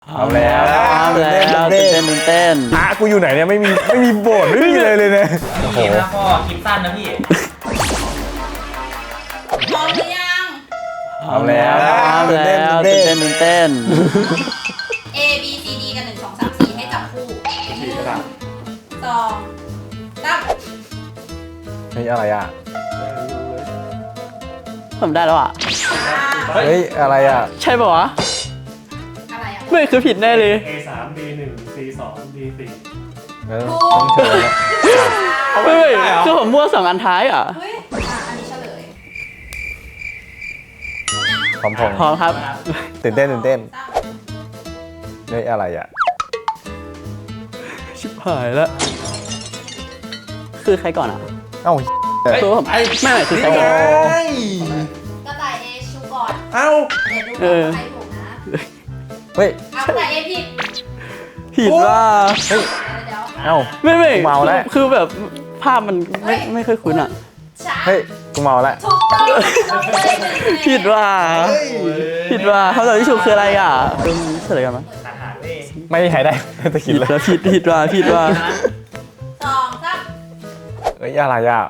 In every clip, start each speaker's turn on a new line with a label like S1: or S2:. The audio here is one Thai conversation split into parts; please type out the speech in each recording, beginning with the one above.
S1: เอาแล้วเต้น
S2: กูอยู่ไหนเนี่ยไม่มีโบสถ์ไม่มีเลยเนี่ยโอ้โห
S3: เกมนะพ่อคลิปสั้นนะพี่
S4: พร้อมหรือยัง
S2: เอาแล้ว
S1: เต้น
S4: A B C D กัน1 2 3 4ให้จับคู่1 2 3
S2: เฮ้ยอะไรอ่ะ
S1: ผมได้แล้วอ่ะ
S2: เฮ้ยอะไรอ่ะ
S1: ใช่ป่าวะ
S4: อะไรอ่ะ
S1: ไม่คือผิดแน่เลย
S5: A3 D1 C2 D4
S2: ต้องเชิญแล้ว
S1: เฮ้ยคือผมมั่ว2 อันท้ายอ่ะ
S4: เฮ้ยอันนี้เฉลย
S2: พร้อม
S1: พร้อมครับ
S2: ตื่นเต้นเฮ้ยอะไรอ่ะ
S1: ชิบหายแล้วคือใครก่อนอ่ะ
S2: เอ้า
S1: คือผมไม่คือใครก่อน
S4: กระต่าย A ชูก่อน
S2: เอ้า
S4: เดี๋ยวดูก่อนว่าใครถูกนะ
S2: เฮ้ย
S4: เอากระต่าย A ผิด
S1: ผิดว่า
S2: เฮ้ย
S4: เดี๋ยว
S2: เอ้า
S1: ไม่
S2: เมาแล้ว
S1: คือแบบภาพมันไม่ค่อยคุ้นอ่ะ
S4: ช้า
S2: เฮ้ยกูเมาแล้ว
S4: ถูกต้องเราเลย1 คะแนน
S1: ผิดว่าคำตอบที่ถูกคืออะไรอ่ะเฉลยกันมั้ย
S3: ตัดหาเว้ย
S2: ไม่มีใครได้จะคิดเลย
S1: ผิดว่า
S4: 2 3
S2: เฮ้ยอะไรอ่ะ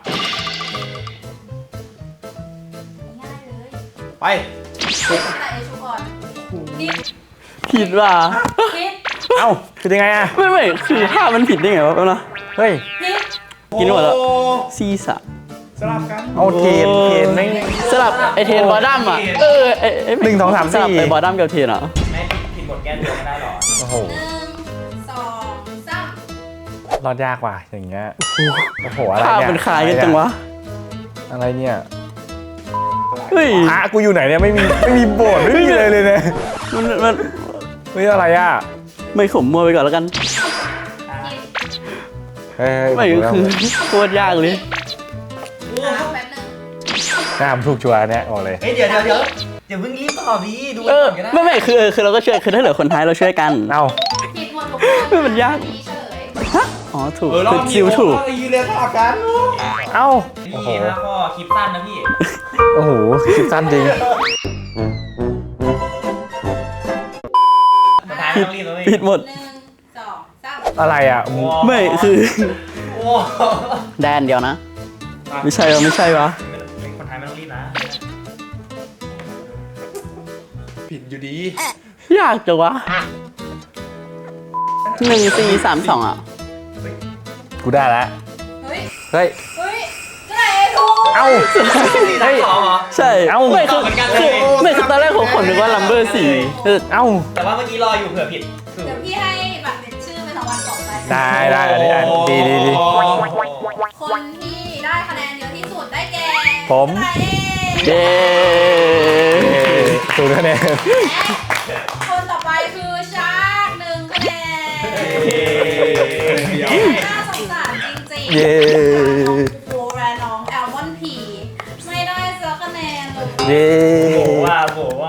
S4: ง่ายเลย
S3: ไป
S4: กระต่าย A ชูก่อนผิด
S1: ผิดว่า
S4: ผิด
S2: เอ้าคือยังไงอ่ะ
S1: ไม่คือภาพมันผิดได้ไงวะแป๊บนะ
S2: เฮ้ย
S4: ผิด
S1: กินหมดแล้วซีซ่า
S5: สลับกัน
S2: เอาเทนไม่
S1: สลับไอเทนบอดัมอ่ะ
S2: 1 2 3
S1: สลับไอ
S2: 4
S1: บอดัมกับเทนอ่ะ
S3: ไม่ผิดบทแก้ตัวไม่ได้หรอ
S2: โอ้โห
S4: 1 2 3
S2: รอดยากว่ะอย่างเงี้ยโอ้โหอะไร
S1: ภาพ
S2: เนี่ย
S1: มันคล้ายกันจังวะ
S2: อะไรเนี่ย
S1: เฮ้ย
S2: กูอยู่ไหนเนี่ยไม่มีโบสถ์ไม่มีเลยเนี่ย
S1: มัน
S2: เฮ้ยอะไรอ่ะ
S1: ไม่ขมมัวไปก่อนแล้วกัน
S2: เฮ้ย
S1: ไม่คือโคตรยากเลย
S4: แป๊บนึง
S2: น่าทำถูกชัวร์เนี่ยบอกเลย
S3: เฮ้ยเดี๋ยวอย่าเพิ่งรีบตอบดิดู
S1: เออ
S3: ก่อนก็ได้
S1: ไม่คือเราก็ช่วยคือถ้าเหลือคนท้ายเราช่วยกัน
S2: เอ้า
S4: ผิดหมดทุก
S1: ไม่มันยาก
S4: นี้เฉลย
S1: ฮะอ๋อถูกคือซิวถูก
S3: ยืนเรียงสลับกัน
S2: เอ้า
S3: นี่
S2: โอ้โห
S3: นะพ่อคลิปสั้นนะพี่
S2: โอ้โหคลิปสั้นจริง
S3: สุดท้ายไม่ต้องรีบนะเว้ย
S1: ผิดหมด
S4: 1 2 3
S2: อะไรอ่ะ
S1: ไม่คือ
S3: โอ้
S1: แดนเดียวนะ ไม่ใช่วะ
S3: คนไทยไม่ต้องรีบนะ
S5: ผิดอยู่ดี
S1: ยากจังวะ1 4 3 2อ่ะ
S2: กูได้แล้ว
S4: เฮ้ย
S2: เฮ้ย
S4: เฮ้ยกระต่าย A ถูก
S2: เอ้า
S3: สี่สามสองเหรอ
S1: ใช่
S2: เอ้า
S1: ไม่คือ
S3: ตอบเหมือนกันเลย
S1: ไม่คือตอนแรกผมนึกว่าลัมเบอร์4
S2: เอ้า
S3: แต่ว่าเมื่อกี้รออยู่เผื่อผิด
S4: เดี๋ยวพี่ให้บัตรเป็นชื่อเป็นรางวัลต่อไป
S2: ได้อันนี้ดี
S4: คนที่ได้คะแนนเยอะที่สุดได้แก่
S2: ผม
S4: กระต่าย A
S1: เย้
S2: ถูกคะแนน
S4: และคนต่อไปคือชาร์ก1 คะแนนน่าสงสารจริงๆ
S2: เย้
S4: โฟและน้องแอลมอนพีไม่ได้สักคะแนนเลย
S2: เย้
S3: โหว่า